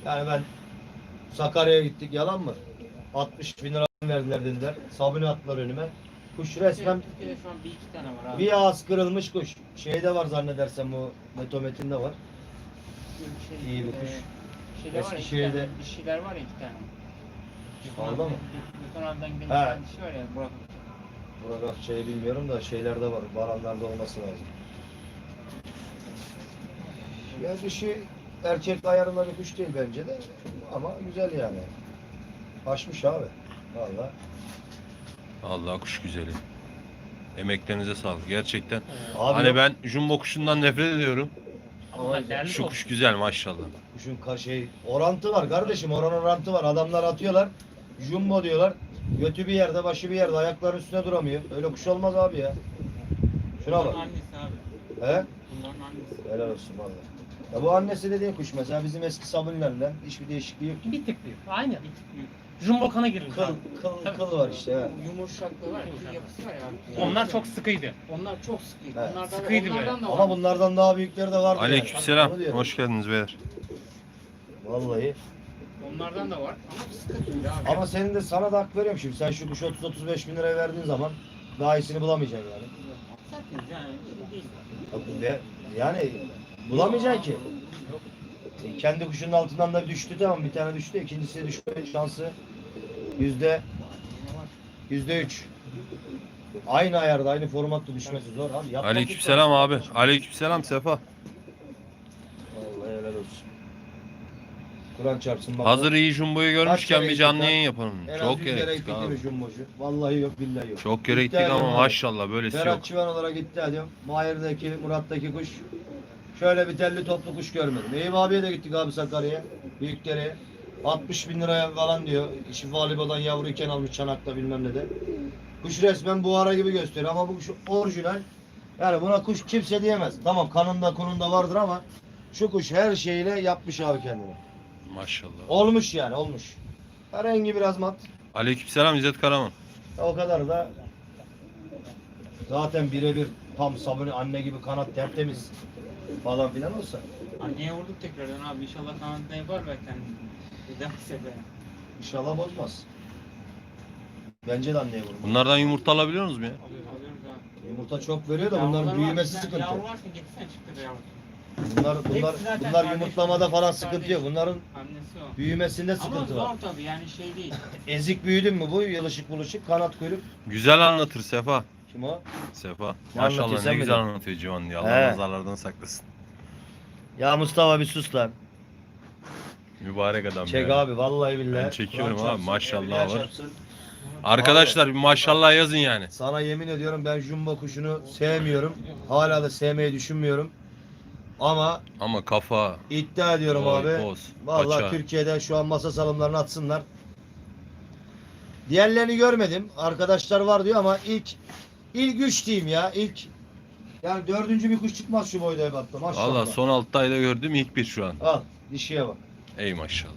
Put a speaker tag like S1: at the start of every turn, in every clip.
S1: Yani ben Sakarya'ya gittik, yalan mı? 60 bin lira verdiler dediler. Sabuni attılar önüme. Kuş resmen
S2: Türkiye'de şu an bir iki tane var abi.
S1: bir ağız kırılmış kuş. Şeyde var zannedersem, bu Metomet'inde var. İyi bir kuş.
S2: Şeyler var ya, iki
S1: Eskişehir'de-
S2: tane. Dişiler var ya, iki tane.
S1: Aldı mı?
S2: Gökhan abiden gelen bir
S1: He.
S2: tane dişi var ya, Burak.
S1: Burada şey bilmiyorum da şeylerde var. Baranlarda olması lazım. Ya dişi erkek ayarında bir kuş değil bence de. Ama güzel yani. Açmış abi. Vallahi.
S3: Allah kuş güzeli. Emeklerinize sağlık. Gerçekten.
S1: Abi
S3: Hani
S1: yok.
S3: ben jumbo kuşundan nefret ediyorum.
S2: Ama değerli
S3: Şu
S2: top.
S3: kuş güzel maşallah.
S1: Kuşun orantı var kardeşim. Orantı var. Adamlar atıyorlar. Jumbo diyorlar. Götü bir yerde, başı bir yerde. Ayakların üstüne duramıyor. Öyle kuş olmaz abi ya. Şuna bak.
S2: Bunların annesi abi.
S1: He?
S2: Bunların annesi.
S1: Helal olsun vallahi. Ya bu annesi dediğin kuş mesela bizim eski sabunlarla hiçbir değişikliği yok.
S4: Bir tık büyük. Aynı.
S2: Bir tık büyük.
S4: Jumbo kana girilmiş.
S1: Kıl,
S4: abi.
S1: kıl var işte. He.
S2: Yumuşaklığı var ya, bir yapısı var ya.
S4: Onlar çok sıkıydı.
S2: Onlar çok sıkıydı.
S1: Evet.
S2: Onlardan,
S4: Sıkıydı
S2: onlardan da var.
S1: Ama bunlardan daha büyükleri de vardı.
S3: Aleykümselam.
S1: Onu diyorum.
S3: Hoş geldiniz beyler.
S1: Vallahi.
S2: Onlardan da var. Ama sıkıntı abi.
S1: Ama senin de sana da hak veriyorum şimdi. Sen şu kuşu 30-35 bin liraya verdiğin zaman daha iyisini bulamayacaksın yani.
S2: Zaten yani şey değil.
S1: Yani bulamayacaksın ki. Kendi kuşunun altından da düştü, tamam, bir tane düştü. İkincisi düşme şansı %3. Aynı ayarda, aynı formatta düşmesi zor abi. Yapmak
S3: Aleykümselam abi. Aleykümselam Sefa.
S1: Vallahi helal olsun. Kur'an çarpsın bak.
S3: Hazır iyi jumboyu görmüşken
S1: kere
S3: bir canlı
S1: gittik
S3: yayın yapalım.
S1: En az
S3: Çok
S1: 100 kere
S3: gerek
S1: gittik
S3: abi.
S1: değil mi jumbocu? Vallahi yok, billahi yok.
S3: Çok kere gittik
S1: İddia
S3: ama
S1: ediyorum
S3: maşallah böylesi
S1: Berat
S3: yok.
S1: Çivan olarak iddia ediyorum. Mahir'deki, Murat'taki kuş. Şöyle bir telli toplu kuş görmedim. Eyüp abiye de gittik abi Sakarya'ya. Büyükdere'ye. 60 bin liraya falan diyor. Şifa Libo'dan yavruyken almış Çanak'ta bilmem ne de. Kuş resmen buhara gibi gösteriyor ama bu kuş orijinal. Yani buna kuş kimse diyemez. Tamam, kanında kununda vardır ama şu kuş her şeyle yapmış abi kendini.
S3: Maşallah.
S1: Olmuş yani, olmuş. Rengi biraz mat.
S3: Aleykümselam İzzet Karaman.
S1: O kadar da zaten birebir tam sabuni anne gibi, kanat tertemiz falan filan olsa.
S2: Anneye vurduk tekrardan abi. İnşallah kanadında yapar belki hani. Bir daha sefer.
S1: İnşallah bozmaz. Bence de anneye vurur.
S3: Bunlardan yumurta alabiliyor musunuz mu ya?
S2: Alıyoruz abi.
S1: Yumurta çok veriyor da
S2: Yavrular
S1: bunların
S2: var,
S1: büyümesi
S2: bir tane
S1: sıkıntı.
S2: Yavru varsa getirsene, çıktı be yavru.
S1: Bunlar
S2: Hepsi zaten
S1: bunlar
S2: kardeş,
S1: yumurtlamada falan
S2: kardeş.
S1: sıkıntı yok. Bunların
S2: Annesi o.
S1: büyümesinde
S2: Ama
S1: sıkıntı
S2: zor
S1: var.
S2: tabii yani şey değil.
S1: Ezik büyüdün mü bu yılışık buluşuk kanat kuyruk.
S3: Güzel anlatır Sefa.
S1: Kim o?
S3: Sefa.
S1: Ne anlatıyor,
S3: Maşallah
S1: sen
S3: ne güzel
S1: mi?
S3: anlatıyor Civan diye.
S1: He.
S3: Allah nazarlardan saklasın.
S1: Ya Mustafa bir sus lan.
S3: Mübarek adam
S1: Çek
S3: ya.
S1: abi vallahi billahi.
S3: Ben çekiyorum
S1: Kur'an
S3: abi,
S1: çarpsın,
S3: maşallah
S1: evliya
S3: var.
S1: çarpsın.
S3: Arkadaşlar bir maşallah yazın yani.
S1: Sana yemin ediyorum ben jumbo kuşunu sevmiyorum. Hala da sevmeyi düşünmüyorum. Ama
S3: Ama kafa,
S1: iddia ediyorum
S3: boy,
S1: abi.
S3: poz,
S1: Vallahi
S3: paça.
S1: Türkiye'de şu an masa salımlarını atsınlar. Diğerlerini görmedim. Arkadaşlar var diyor ama ilk 3 diyeyim ya. Yani dördüncü bir kuş çıkmaz şu boyda ebatta. Maşallah.
S3: Valla son 6 ayda gördüğüm ilk bir şu an.
S1: Al dişiye bak.
S3: Ey maşallah.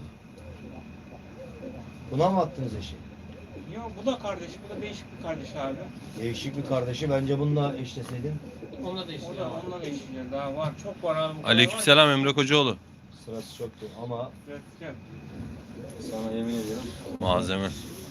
S1: Buna mı attınız eşi?
S2: Yok bu da kardeş, bu da değişik bir kardeş abi.
S1: Değişik bir kardeşi, bence bununla eşleseydin.
S4: Onunla da işte.
S2: O da onunla da eşliyor, daha var, çok var abi. bu kadar
S3: Aleykümselam Emre Kocaoğlu.
S1: Sırası çoktu ama
S2: var. Evet, evet.
S1: sana yemin ediyorum.
S3: Malzeme.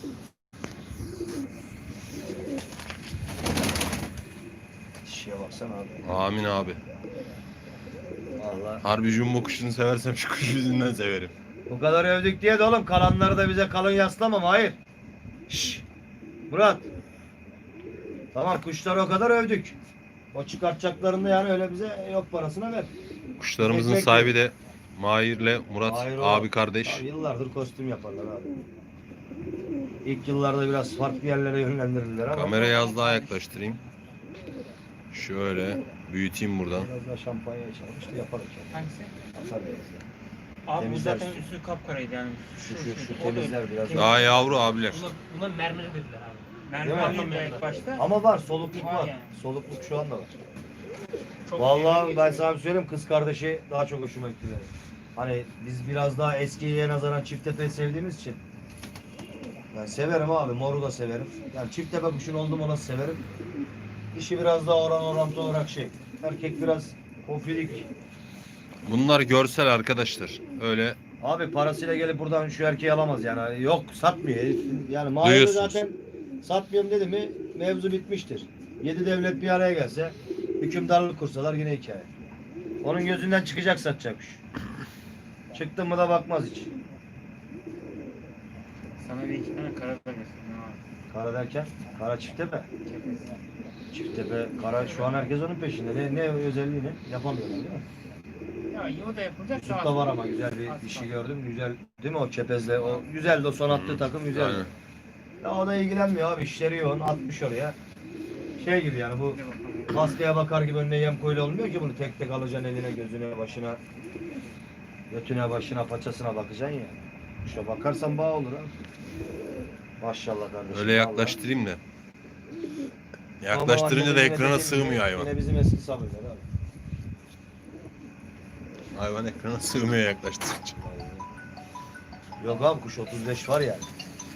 S1: Dişiye baksana abi.
S3: Amin abi.
S1: Vallahi.
S3: Harbi jumbo kuşunu seversem şu kuş yüzünden severim.
S1: Bu kadar övdük diye de oğlum kalanları da bize kalın yaslamam, hayır. Şşş. Murat. Tamam, kuşları o kadar övdük. O çıkartacaklarında yani öyle bize yok parasına ver.
S3: Kuşlarımızın
S1: Ekmek
S3: sahibi de Mahir'le Murat
S1: Hayır, o-
S3: abi kardeş.
S1: Abi yıllardır kostüm yaparlar abi. İlk yıllarda biraz farklı yerlere yönlendirildiler ama.
S3: Kamerayı az daha yaklaştırayım. Şöyle büyüteyim buradan.
S1: Biraz daha şampanya içermiş de yaparız yani.
S2: Hangisi?
S1: Atar biraz ya.
S2: Abi bu
S1: Temizler
S2: zaten
S1: üstü.
S2: üstü kapkaraydı yani.
S1: Şu
S2: O da-
S1: temizler biraz.
S3: Daha yavru abiler.
S4: Buna mermer dediler abi.
S2: Mermi
S1: Değil mi?
S2: anlamıyor ilk başta.
S1: Ama var, solukluk
S2: Var
S1: var.
S2: yani.
S1: Solukluk şu anda var.
S2: Çok
S1: Vallahi
S2: iyi
S1: ben
S2: geçiyor.
S1: sana bir söyleyeyim, kız kardeşi daha çok hoşuma gitti benim. Hani biz biraz daha eskiye nazaran çifttepeyi sevdiğimiz için. Ben severim abi, moru da severim. Yani çifttepe kuşun oldum ona severim. İşi biraz daha orantı olarak şey. Erkek biraz kofilik.
S3: Bunlar görsel arkadaşlar. Öyle
S1: Abi parasıyla gelip buradan şu erkeği alamaz yani. Yok satmıyor. Yani Mahir'i
S3: Duyuyorsunuz.
S1: zaten satmıyorum dedi mi mevzu bitmiştir. 7 devlet bir araya gelse hükümdarlık kursalar yine hikaye. Onun gözünden çıkacak satacakmış. Çıktı mı da bakmaz hiç.
S2: Sana bir iki tane kara da göstereyim abi.
S1: Kara derken kara çiftepe.
S2: Kepez.
S1: Çiftepe kara şu an herkes onun peşinde. Ne özelliği ne? Yapamıyorlar değil mi?
S2: Ya iyi o da yapılacak.
S1: Çocukta var ama güzel bir dişi gördüm. Güzel değil mi o çepezle? O güzeldi o son attığı takım güzeldi.
S3: Aynen.
S1: Ya o da ilgilenmiyor abi işleri yoğun atmış oraya. Şey gibi yani bu hastaya bakar gibi önüne yem koyulu olmuyor ki bunu tek tek alacaksın eline gözüne başına götüne başına paçasına bakacaksın ya. İşte bakarsan bağ olur ha. Maşallah kardeşim.
S3: Öyle yaklaştırayım da.
S1: Vallahi.
S3: Yaklaştırınca
S1: Ama
S3: da
S1: yine
S3: ekrana
S1: dediğim
S3: sığmıyor
S1: gibi,
S3: hayvan.
S1: Yine bizim eski sabırlar abi.
S3: Hayvan ekrana sığmıyor yaklaştırınca.
S1: Yok abi kuş 35 var yani.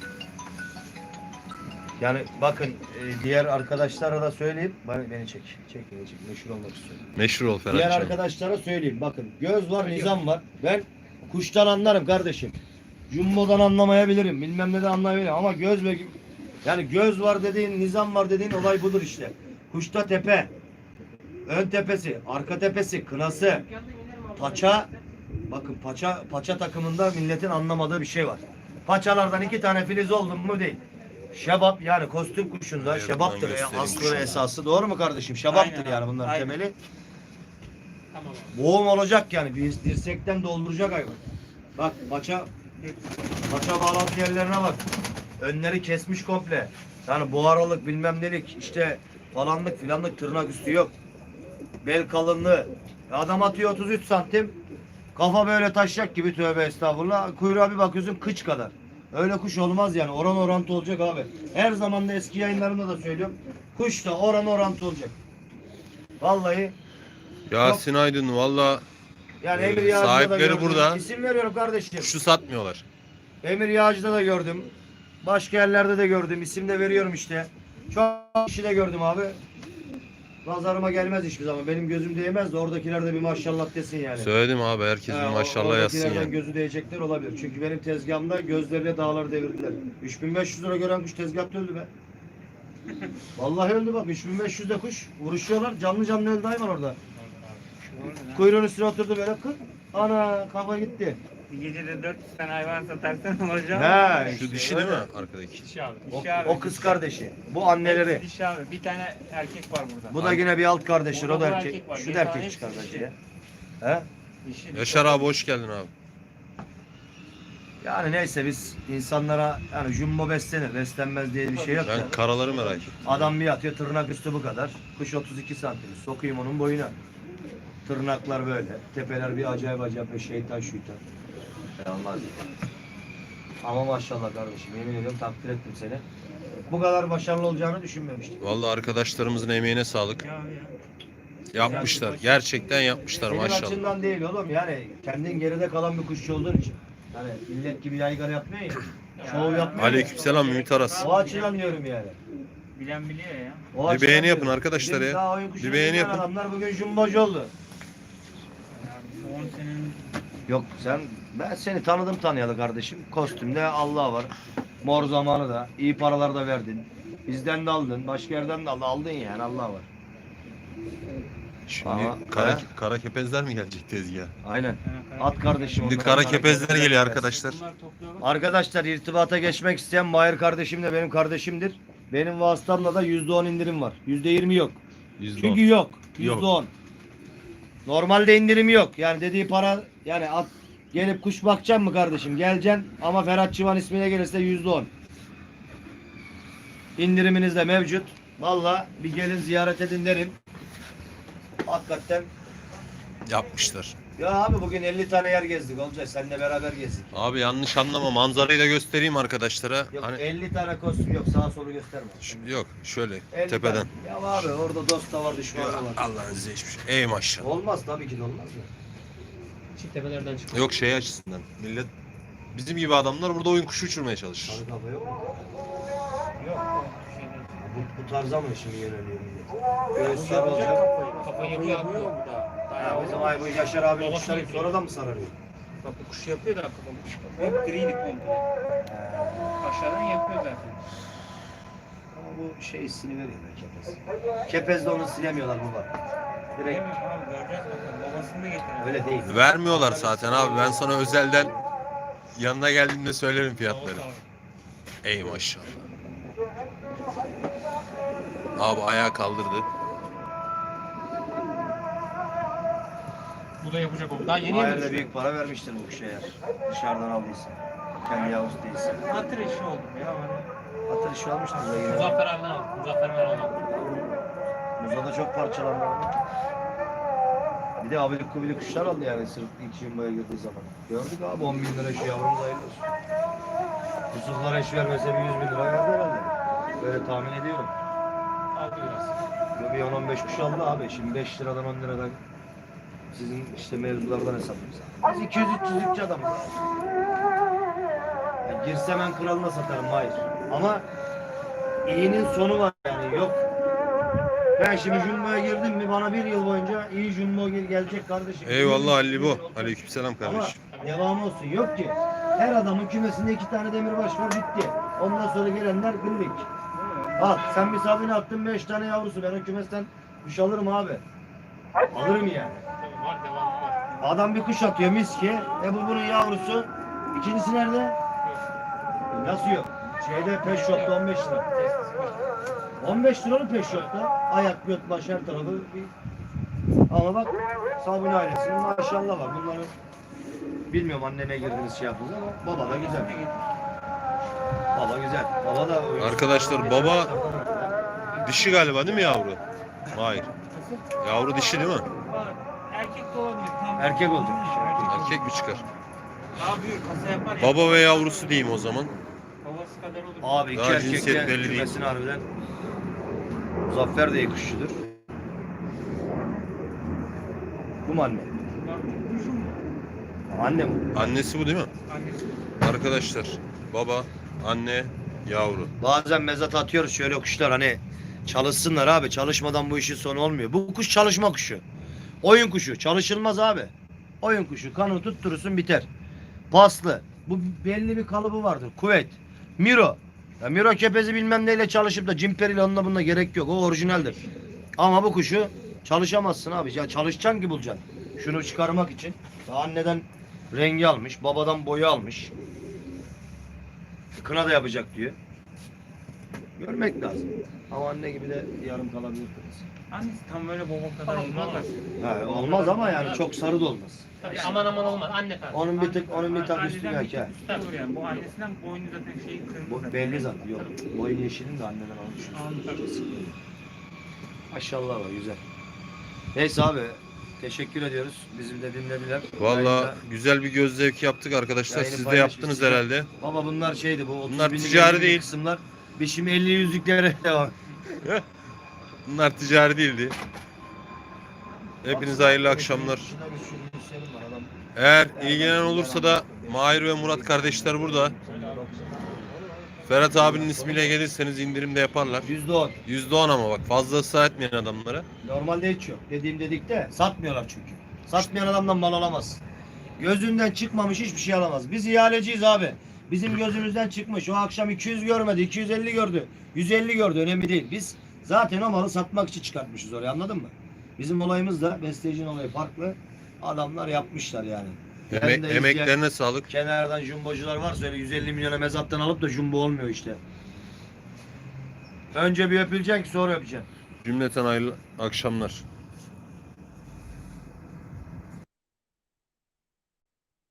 S1: Yani bakın diğer arkadaşlara da söyleyeyim. Beni çek. Çek. Meşhur olmak istiyorum.
S3: Meşhur ol
S1: Diğer
S3: Ferhat'cığım.
S1: arkadaşlara söyleyeyim. Bakın göz var, nizam var. Ben kuştan anlarım kardeşim. Jumbo'dan anlamayabilirim. Bilmem neden anlayabilirim. Ama göz ve yani göz var dediğin, nizam var dediğin olay budur işte. Kuşta tepe, ön tepesi, arka tepesi, kınası, paça. Bakın paça takımında milletin anlamadığı bir şey var. Paçalardan 2 tane filiz oldu mu değil. Şebap yani kostüm kuşunda
S3: Evet,
S1: şebaptır
S3: ben
S1: ya
S3: göstereyim
S1: aslı
S3: kuşunu.
S1: ve esası. Doğru mu kardeşim? Şebaptır
S2: Aynen
S1: yani
S2: abi,
S1: bunların
S2: aynen.
S1: temeli.
S4: Tamam abi.
S1: Boğum olacak yani. Bir dirsekten dolduracak hayvan. Bak paça bağlantı yerlerine bak. Önleri kesmiş komple. Yani buharalık bilmem nelik işte falanlık filanlık tırnak üstü yok. Bel kalınlığı. Adam atıyor 33 santim. Kafa böyle taşacak gibi tövbe estağfurullah. Kuyruğa bir bakıyorsun kıç kadar. Öyle kuş olmaz yani. Oran orantı olacak abi. Her zaman da eski yayınlarımda da söylüyorum. Kuş da oran orantı olacak. Vallahi
S3: Yasin Aydın valla
S1: yani
S3: Ee,
S1: Emir Yağcı'da da
S3: sahipleri
S1: gördüm.
S3: burada.
S1: İsim veriyorum kardeşim.
S3: kuşu satmıyorlar.
S1: Emir Yağcı'da da gördüm. Başka yerlerde de gördüm. İsim de veriyorum işte. Çok kişi de gördüm abi. Nazarıma gelmez hiçbir zaman. Benim gözüm değmez de oradakiler de bir maşallah desin yani.
S3: Söyledim abi herkes bir
S1: Ha,
S3: maşallah yazsın
S1: oradakilerden
S3: yani.
S1: gözü değecekler olabilir. Çünkü benim tezgahımda gözlerine dağları devirdiler. 3500 lira gören kuş tezgahta öldü be. Vallahi öldü bak. 3500'de kuş vuruşuyorlar. Canlı canlı öldü hayvan orada. Kuyruğun üstüne oturdu böyle kır. Ana kafa gitti.
S2: Bir gecede 400 tane hayvan satarsan olacak.
S1: He,
S3: Şu
S1: işte
S3: dişi değil mi
S1: öyle.
S3: arkadaki?
S4: Dişi abi.
S1: O,
S2: Dişi abi,
S1: o kız
S2: dişi.
S1: kardeşi. Bu anneleri.
S2: Dişi abi. Bir tane erkek var burada.
S1: Bu da yine bir alt kardeştir. O da
S2: Burada
S1: erkek.
S2: erkek var.
S1: Şu
S2: Bir
S1: da
S2: tane
S1: erkek
S2: hepsi
S1: çıkar bence
S2: dişi.
S1: ya. He?
S2: Dişi.
S3: Yaşar abi hoş geldin abi.
S1: Yani neyse biz insanlara yani jumbo beslenir. Beslenmez diye bir şey yok.
S3: Ben
S1: da.
S3: karaları merak ettim.
S1: Adam bir atıyor tırnak üstü bu kadar. Kuş 32 santim. Sokayım onun boyuna. Tırnaklar böyle. Tepeler bir acayip bir şeytan şuytan. Olmaz ya. Ama maşallah kardeşim yemin ediyorum takdir ettim seni. Bu kadar başarılı olacağını düşünmemiştim.
S3: Vallahi arkadaşlarımızın emeğine sağlık.
S2: Ya.
S3: Yapmışlar. Gerçekten yapmışlar
S1: Senin
S3: maşallah.
S1: açından değil oğlum yani kendin geride kalan bir kuşçu olduğun için. Yani millet gibi yaygara yapmıyor ya. Şov yapmıyor.
S3: Aleykümselam Ümit Aras.
S1: O açıdan diyorum yani.
S2: Bilen biliyor ya.
S1: O
S3: Bir
S1: açıdan
S3: beğeni
S1: diyorum.
S3: yapın arkadaşlar
S1: Bizim
S3: ya.
S1: daha oyun kuşu
S3: Bir beğeni
S1: bilmeyen
S3: yapın.
S1: Adamlar bugün jumbocu oldu.
S2: Ya 10 senenin
S1: Yok ben seni tanıdım tanıyalı kardeşim. Kostümde Allah var. Mor zamanı da iyi paralar da verdin. Bizden de aldın, başka yerden de aldın yani Allah var.
S3: Şimdi
S1: Ama-
S3: kara kepezler mi gelecek tezgaha?
S1: Aynen. At kardeşim.
S3: Şimdi
S1: onları,
S3: kara kepezler geliyor
S1: kepezler.
S3: arkadaşlar.
S2: bunlar topluyorlar.
S1: Arkadaşlar irtibata geçmek isteyen Mahir kardeşim de benim kardeşimdir. Benim vasıtamla da %10 indirim var. %20 yok.
S3: %10.
S1: Çünkü yok.
S3: Yok.
S1: %10. Normalde indirim yok. Yani dediği para yani at gelip kuş bakacaksın mı kardeşim? Geleceksin ama Ferhat Çıvan ismine gelirse %10. İndiriminiz de mevcut. Valla bir gelin ziyaret edin derim. Hakikaten.
S3: Yapmışlar.
S1: Ya abi bugün 50 tane yer gezdik Olcay. Seninle beraber gezdik.
S3: Abi yanlış anlama manzarayı da göstereyim arkadaşlara.
S1: Yok
S3: Hani
S1: 50 tane kostüm yok. Sağa solu gösterme.
S3: yok şöyle
S1: 50
S3: tepeden.
S1: tane. Ya abi orada dost da var düşman da var.
S3: Allah'ın izniyle hiçbir şey. Ey maşallah.
S1: Olmaz tabii ki de olmaz mı?
S4: Çift tepelerden çıkıyor.
S3: Yok şey açısından. Millet bizim gibi adamlar burada oyun kuşu uçurmaya çalışır.
S1: Sarı kafa yok mu?
S2: Yok.
S1: Bu tarza mı şimdi yöneliyor millet? Göğüsler olacak.
S4: Kafayı yapıyor abi.
S2: bu da.
S1: Ha, bizim ay bu Yaşar abi
S4: Babası
S1: kuşları
S4: yapıyor.
S1: sonradan mı sararıyor?
S2: Bak bu kuş yapıyor da hep griydi komple. Aşağıdan yapıyor zaten.
S1: Ama bu şey hissini veriyor be kepez. Kepezde onu silemiyorlar baba. Direkt
S2: Bilmiyorum abi göreceğiz bakalım. Babasını da getirelim.
S1: öyle değil.
S3: Vermiyorlar zaten abi. Ben sana özelden yanına geldiğimde söylerim fiyatları. Ey maşallah. Abi ayağı kaldırdı.
S4: Bu da yapacak o. Daha yeni
S1: Mahir'de
S4: yememiş.
S1: büyük para vermiştir bu kuşa eğer. Dışarıdan aldıysa. Kendi yavrusu değilse.
S2: Hatır işi oldu ya. Hani
S1: Atır işi almıştır da yine.
S4: Muzaffer abiden aldım. Muzaffer ben aldım.
S1: Muzada çok parçalandı. Bir de abilik kubilik kuşlar aldı yani sırf ilk yumbaya girdiği zaman. Gördük abi 10 bin lira şu yavrumuz hayırlı olsun. Yusuflar eş vermese bir 100 bin lira verdi herhalde. Böyle tahmin ediyorum.
S4: Aldı biraz.
S1: Bir 10-15 kuş aldı abi. Şimdi 5 liradan 10 liradan sizin işte mevzulardan hesaplıyoruz. Biz 200-300'lükçü adamız. Ya girsem ben kralına satarım hayır. Ama iyinin sonu var yani yok. Ben şimdi Jumbo'ya girdim mi bana bir yıl boyunca iyi Jumbo gelecek kardeşim.
S3: Eyvallah Ali bu. Aleykümselam
S1: Ama
S3: kardeşim.
S1: devam olsun. Yok ki. Her adamın kümesinde 2 tane demirbaş var bitti. Ondan sonra gelenler gırlık. Al sen bir sabine attın 5 tane yavrusu. Ben o kümesten kuş alırım abi. Alırım yani.
S4: Tabii var devamı var.
S1: Adam bir kuş atıyor miski. Bu bunun yavrusu. İkincisi nerede? Nasıl yok? Şeyde Pet Shop'ta 15 lira. 15 liralık Pet Shop'ta. Ayak, göt, baş her tarafı. Ama bak Sabuni ailesinin maşallah var. Bunların bilmiyorum anneme girdiniz şey yaptınız ama baba da güzel. Baba güzel. Baba da
S3: Arkadaşlar, baba dişi galiba değil mi yavru? Hayır. Yavru dişi değil mi?
S2: var. Erkek de olabilir. Tam
S1: Erkek olacak.
S3: Erkek mi çıkar?
S2: Daha büyük kasa yapar ya.
S3: Baba ve yavrusu diyeyim o zaman.
S2: Babası kadar olur.
S1: Abi iki
S3: Daha
S1: erkek
S3: cinsiyet
S1: de
S3: belli değil.
S1: kümesini harbiden. Muzaffer de iyi kuşçudur. Bu mu anne? Anne mi?
S3: Annesi bu değil mi?
S2: Annesi.
S3: Arkadaşlar, baba, anne, yavru.
S1: Bazen mezat atıyoruz şöyle kuşlar hani çalışsınlar abi. Çalışmadan bu işin sonu olmuyor. Bu kuş çalışma kuşu. Oyun kuşu. Çalışılmaz abi. Oyun kuşu. Kanı tutturursun biter. Paslı. Bu belli bir kalıbı vardır. Kuvvet. Miro. Ya Miro kepezi bilmem neyle çalışıp da cimperiyle onunla bununla gerek yok. O orijinaldir. Ama bu kuşu çalışamazsın abi. Ya çalışacaksın ki bulacaksın. Şunu çıkarmak için. Daha anneden rengi almış. Babadan boyu almış. Kına da yapacak diyor. Görmek lazım. Ama anne gibi de yarım kalabilir kız.
S2: Annesi tam böyle baba kadar olmaz da.
S1: Ha, olmaz ama yani çok sarı da olmaz.
S4: Tabii aman aman olmaz. Anne tarzı.
S1: Onun bir tık üstü
S2: Anneden
S1: yok
S2: bir
S1: ya.
S2: tık üstü olur yani. Bu annesinden boynu zaten şeyi kırmızı.
S1: Bu belli zaten. Yok. Boyun yeşilin de anneden almış.
S2: Anladım.
S1: Maşallah var güzel. Neyse abi teşekkür ediyoruz. Bizi de dinlediler.
S3: Valla
S1: Yayında-
S3: güzel bir göz zevki yaptık arkadaşlar.
S1: Yayını
S3: Siz de
S1: paylaşmışsınız.
S3: yaptınız herhalde.
S1: Baba bunlar şeydi bu 30
S3: Bunlar
S1: binlik,
S3: ticari
S1: 50 binlik
S3: değil.
S1: kısımlar. Biz şimdi 50 yüzlüklere devam.
S3: Bunlar ticari değildi. Hepinize hayırlı akşamlar. Eğer ilgilenen olursa da Mahir ve Murat kardeşler burada. Ferhat abinin ismiyle gelirseniz indirim de yaparlar.
S1: %10.
S3: %10 ama bak, fazla ısrar etmeyin adamlara.
S1: Normalde hiç yok. Dediğim dedik de satmıyorlar çünkü. Satmayan adamdan mal alamaz. Gözünden çıkmamış hiçbir şey alamaz. Biz ihaleciyiz abi. Bizim gözümüzden çıkmış. O akşam 200 görmedi, 250 gördü, 150 gördü. Önemli değil. Biz zaten o malı satmak için çıkartmışız oraya, anladın mı? Bizim olayımız da bestecinin olayı farklı. Adamlar yapmışlar yani. Yarın da izleyen
S3: Emeklerine sağlık.
S1: kenardan jumbocular varsa öyle 150 milyona mezattan alıp da jumbo olmuyor işte. Önce bir öpüleceksin ki sonra öpeceksin.
S3: Cümleten hayırlı akşamlar.